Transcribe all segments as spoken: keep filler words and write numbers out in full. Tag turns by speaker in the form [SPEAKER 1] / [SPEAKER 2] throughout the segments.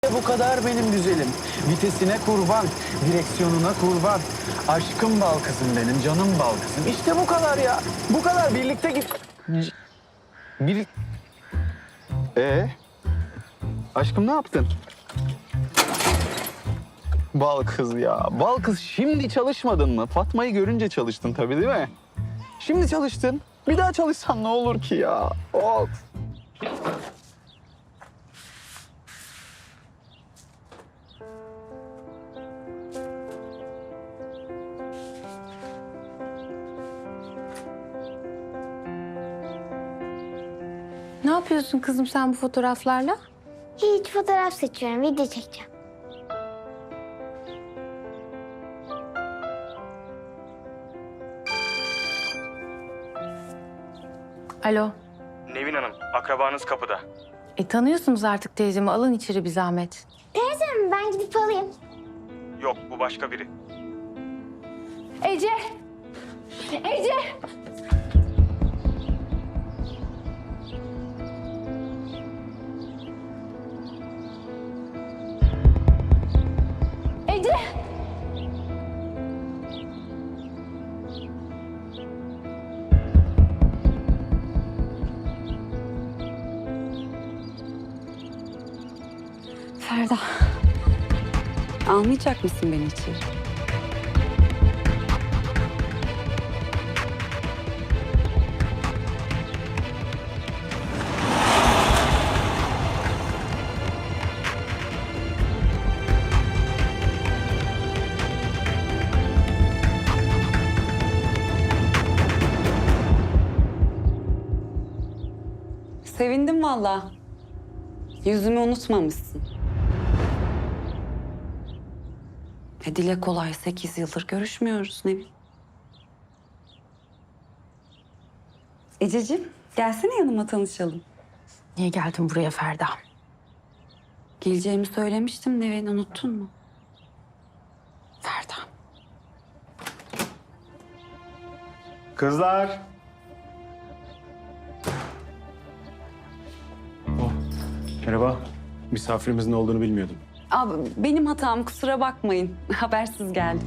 [SPEAKER 1] Bu kadar benim güzelim. Vitesine kurban, direksiyonuna kurban. Aşkım bal kızım benim, canım bal kızım. İşte bu kadar ya. Bu kadar birlikte git. Bir... Ee? Aşkım ne yaptın? Bal kız ya. Bal kız şimdi çalışmadın mı? Fatma'yı görünce çalıştın tabii değil mi? Şimdi çalıştın. Bir daha çalışsan ne olur ki ya? Of.
[SPEAKER 2] Ne yapıyorsun kızım sen bu fotoğraflarla?
[SPEAKER 3] Hiç fotoğraf seçiyorum, video çekeceğim.
[SPEAKER 2] Alo.
[SPEAKER 4] Nevin Hanım, akrabanız kapıda.
[SPEAKER 2] E tanıyorsunuz artık teyzemi. Alın içeri bir zahmet.
[SPEAKER 3] Teyzem ben gidip alayım.
[SPEAKER 4] Yok, bu başka biri.
[SPEAKER 2] Ece! Ece! Ece!
[SPEAKER 5] Ferda, almayacak mısın beni içeri? Sevindim vallahi. Yüzümü unutmamışsın. E dile kolay sekiz yıldır görüşmüyoruz Nevin. Ececiğim gelsene yanıma tanışalım.
[SPEAKER 2] Niye geldin buraya Ferda?
[SPEAKER 5] Geleceğimi söylemiştim Nevin, unuttun mu?
[SPEAKER 2] Ferda.
[SPEAKER 6] Kızlar. Oh, merhaba. Misafirimizin olduğunu bilmiyordum.
[SPEAKER 5] Abi benim hatam, kusura bakmayın. Habersiz geldim.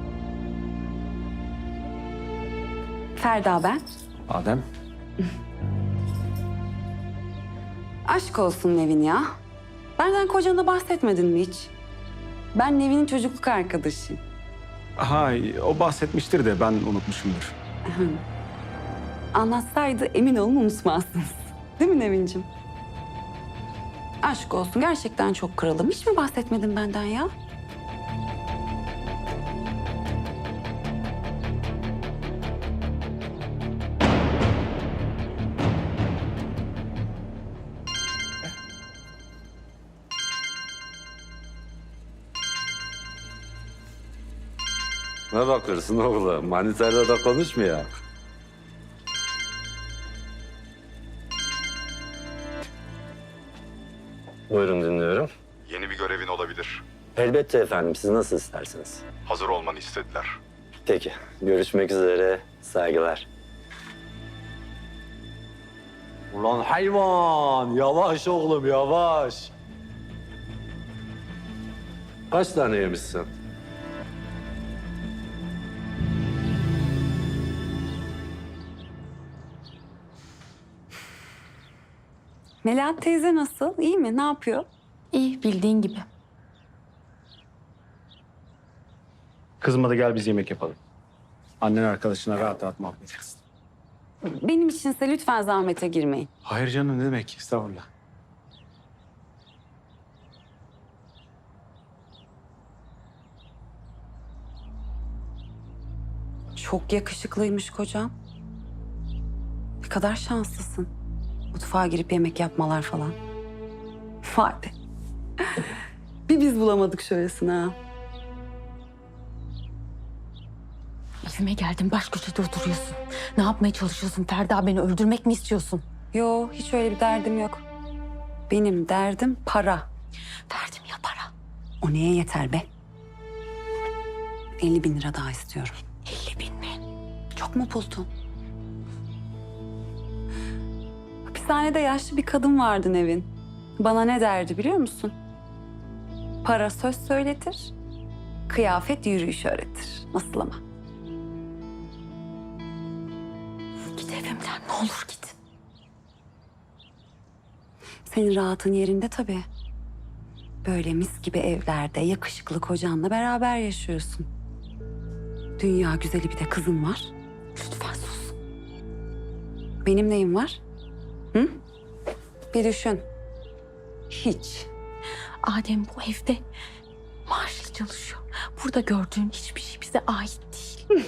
[SPEAKER 5] Ferda ben.
[SPEAKER 6] Adem.
[SPEAKER 5] Aşk olsun Nevin ya. Benden kocana bahsetmedin mi hiç? Ben Nevin'in çocukluk arkadaşıyım.
[SPEAKER 6] Ha, o bahsetmiştir de ben unutmuşumdur.
[SPEAKER 5] Anlatsaydı emin olun unutmazsınız. Değil mi Nevin'cim? Aşk olsun, gerçekten çok kralım. Hiç mi bahsetmedin benden ya?
[SPEAKER 7] Ne bakıyorsun oğlum? Manitayla da konuşmuyor. Buyurun dinliyorum.
[SPEAKER 8] Yeni bir görevin olabilir.
[SPEAKER 7] Elbette efendim. Siz nasıl isterseniz.
[SPEAKER 8] Hazır olmanı istediler.
[SPEAKER 7] Peki. Görüşmek üzere. Saygılar. Ulan hayvan! Yavaş oğlum yavaş. Kaç tane yemişsin?
[SPEAKER 5] Melahat teyze nasıl? İyi mi? Ne yapıyor?
[SPEAKER 2] İyi bildiğin gibi.
[SPEAKER 6] Kızıma da gel biz yemek yapalım. Annen arkadaşına rahat rahat muhabbet etsin.
[SPEAKER 5] Benim içinse lütfen zahmete girmeyin.
[SPEAKER 6] Hayır canım ne demek? Estağfurullah.
[SPEAKER 5] Çok yakışıklıymış kocam. Ne kadar şanslısın. Mutfağa girip yemek yapmalar falan. Vay be. Bir biz bulamadık şöylesine ha.
[SPEAKER 2] Evime geldin baş köşede oturuyorsun. Ne yapmaya çalışıyorsun Ferda? Beni öldürmek mi istiyorsun?
[SPEAKER 5] Yo, hiç öyle bir derdim yok. Benim derdim para.
[SPEAKER 2] Verdim ya para.
[SPEAKER 5] O neye yeter be? elli bin lira daha istiyorum.
[SPEAKER 2] elli bin mi?
[SPEAKER 5] Çok mu buldun? Hapishanede yaşlı bir kadın vardı Nevin. Bana ne derdi biliyor musun? Para söz söyletir, kıyafet yürüyüş öğretir. Nasıl ama?
[SPEAKER 2] Git evimden ne olur git.
[SPEAKER 5] Senin rahatın yerinde tabii. Böyle mis gibi evlerde yakışıklı kocanla beraber yaşıyorsun. Dünya güzeli bir de kızın var.
[SPEAKER 2] Lütfen sus.
[SPEAKER 5] Benim neyim var? Hı? Bir düşün. Hiç.
[SPEAKER 2] Adem bu evde maaşlı çalışıyor. Burada gördüğün hiçbir şey bize ait değil.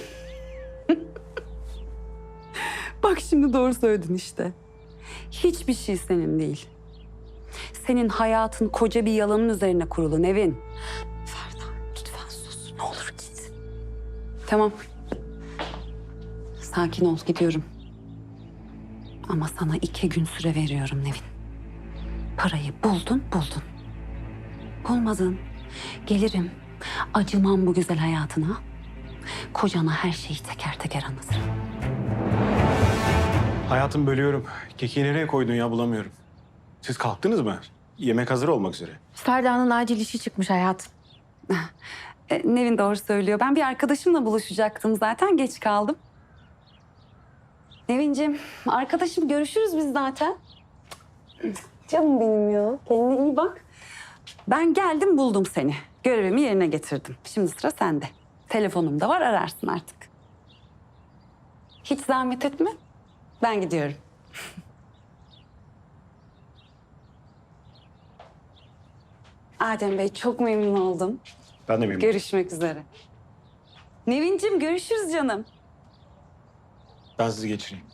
[SPEAKER 5] Bak şimdi doğru söyledin işte. Hiçbir şey senin değil. Senin hayatın koca bir yalanın üzerine kurulu Nevin.
[SPEAKER 2] Ferda lütfen sus. Ne olur git.
[SPEAKER 5] Tamam. Sakin ol, gidiyorum. Ama sana iki gün süre veriyorum Nevin. Parayı buldun, buldun. Bulmadın. Gelirim, acımam bu güzel hayatına. Kocana her şeyi teker teker anlatırım.
[SPEAKER 6] Hayatım bölüyorum. Kekiği nereye koydun ya bulamıyorum. Siz kalktınız mı? Yemek hazır olmak üzere.
[SPEAKER 2] Ferda'nın acil işi çıkmış hayatım.
[SPEAKER 5] E, Nevin doğru söylüyor. Ben bir arkadaşımla buluşacaktım zaten. Geç kaldım. Nevinciğim, arkadaşım görüşürüz biz zaten. Canım benim ya. Kendine iyi bak. Ben geldim buldum seni. Görevimi yerine getirdim. Şimdi sıra sende. Telefonum da var ararsın artık. Hiç zahmet etme. Ben gidiyorum. Adem Bey çok memnun oldum.
[SPEAKER 6] Ben de memnunum.
[SPEAKER 5] Görüşmek üzere. Nevinciğim görüşürüz canım.
[SPEAKER 6] Ben sizi geçireyim.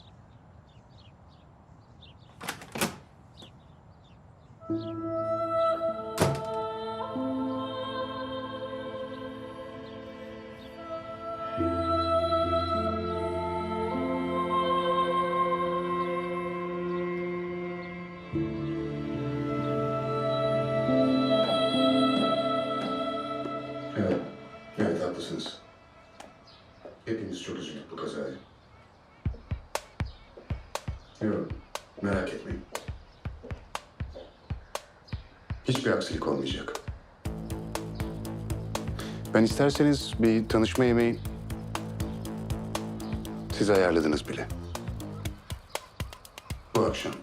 [SPEAKER 9] Evet, evet haklısınız. Hepimiz çok üzüldük bu kazaya. Yok, merak etmeyin. Hiçbir aksilik olmayacak. Ben isterseniz bir tanışma yemeği siz ayarladınız bile. Bu akşam.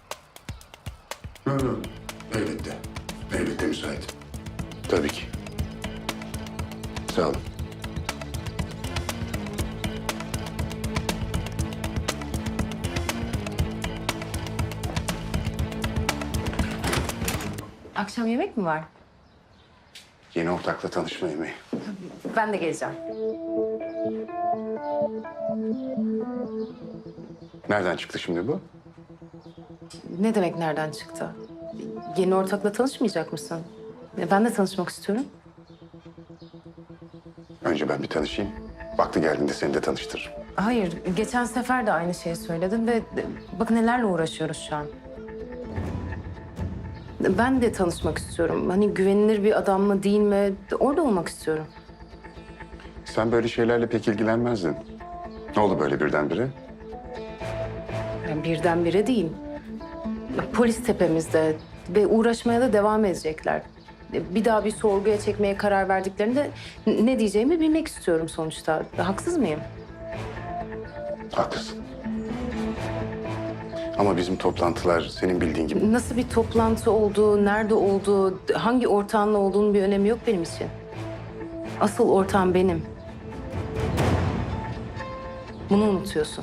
[SPEAKER 9] Yok yok, elbette. Elbette müsait. Tabii ki. Sağ olun.
[SPEAKER 10] Akşam yemek mi var?
[SPEAKER 9] Yeni ortakla tanışma yemeği.
[SPEAKER 10] Ben de geleceğim.
[SPEAKER 9] Nereden çıktı şimdi bu?
[SPEAKER 10] Ne demek nereden çıktı? Yeni ortakla tanışmayacak mısın? E, Ben de tanışmak istiyorum.
[SPEAKER 9] Önce ben bir tanışayım. Vakti geldiğinde seni de tanıştırırım.
[SPEAKER 10] Hayır, geçen sefer de aynı şeyi söyledin ve bakın nelerle uğraşıyoruz şu an. Ben de tanışmak istiyorum. Hani güvenilir bir adam mı değil mi? Orada olmak istiyorum.
[SPEAKER 9] Sen böyle şeylerle pek ilgilenmezdin. Ne oldu böyle birdenbire?
[SPEAKER 10] Yani birdenbire değil. Polis tepemizde ve uğraşmaya da devam edecekler. Bir daha bir sorguya çekmeye karar verdiklerinde ne diyeceğimi bilmek istiyorum sonuçta. Haksız mıyım?
[SPEAKER 9] Haklısın. Ama bizim toplantılar senin bildiğin gibi.
[SPEAKER 10] Nasıl bir toplantı olduğu, nerede olduğu, hangi ortağınla olduğunun bir önemi yok benim için. Asıl ortağım benim. Bunu unutuyorsun.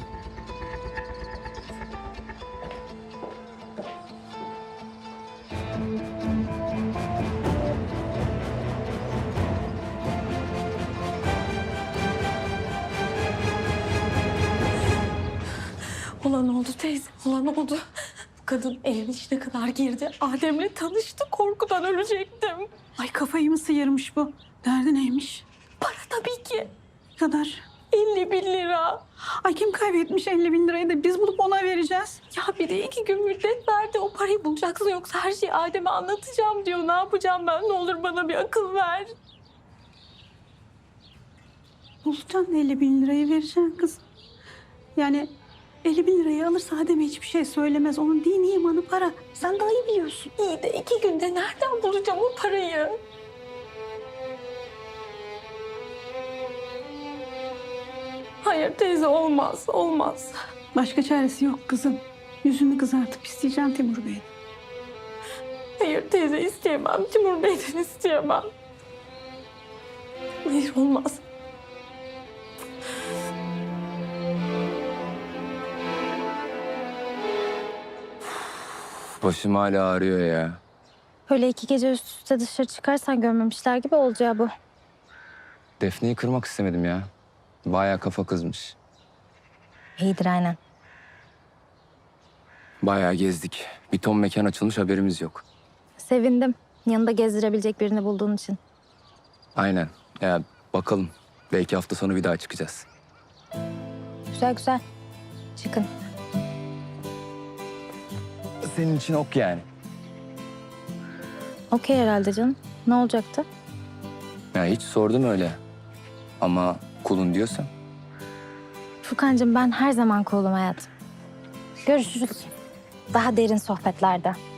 [SPEAKER 2] Olan oldu teyze, olan oldu. Bu kadın evin içine kadar girdi. Adem'le tanıştı. Korkudan ölecektim.
[SPEAKER 11] Ay kafayı mı sıyırmış bu? Derdi neymiş?
[SPEAKER 2] Para tabii ki.
[SPEAKER 11] Ne kadar?
[SPEAKER 2] elli bin lira.
[SPEAKER 11] Ay kim kaybetmiş elli bin lirayı da biz bulup ona vereceğiz.
[SPEAKER 2] Ya bir de iki gün müddet verdi. O parayı bulacaksın yoksa her şeyi Adem'e anlatacağım diyor. Ne yapacağım ben? Ne olur bana bir akıl ver.
[SPEAKER 11] Bulacaksın elli bin lirayı vereceksin kız. Yani elli bin lirayı alırsa Adem'e hiçbir şey söylemez. Onun dini imanı para. Sen daha iyi biliyorsun.
[SPEAKER 2] İyi de iki günde nereden bulacağım o parayı? Hayır teyze olmaz, olmaz.
[SPEAKER 11] Başka çaresi yok kızım. Yüzünü kızartıp isteyeceğim Timur Bey'in.
[SPEAKER 2] Hayır teyze isteyemem. Timur Bey'den isteyemem. Hayır olmaz.
[SPEAKER 1] Başım hala ağrıyor ya.
[SPEAKER 3] Öyle iki gece üst üste dışarı çıkarsan görmemişler gibi olacağı bu.
[SPEAKER 1] Defne'yi kırmak istemedim ya. Bayağı kafa kızmış.
[SPEAKER 3] İyidir aynen.
[SPEAKER 1] Bayağı gezdik. Bir ton mekan açılmış, haberimiz yok.
[SPEAKER 3] Sevindim. Yanında gezdirebilecek birini bulduğun için.
[SPEAKER 1] Aynen. Ya bakalım. Belki hafta sonu bir daha çıkacağız.
[SPEAKER 3] Güzel güzel. Çıkın.
[SPEAKER 1] Senin için ok yani.
[SPEAKER 3] Okey herhalde canım. Ne olacaktı?
[SPEAKER 1] Ya hiç sordum öyle. Ama kulun diyorsan.
[SPEAKER 3] Furkancığım ben her zaman kolum hayatım. Görüşürüz. Daha derin sohbetlerde.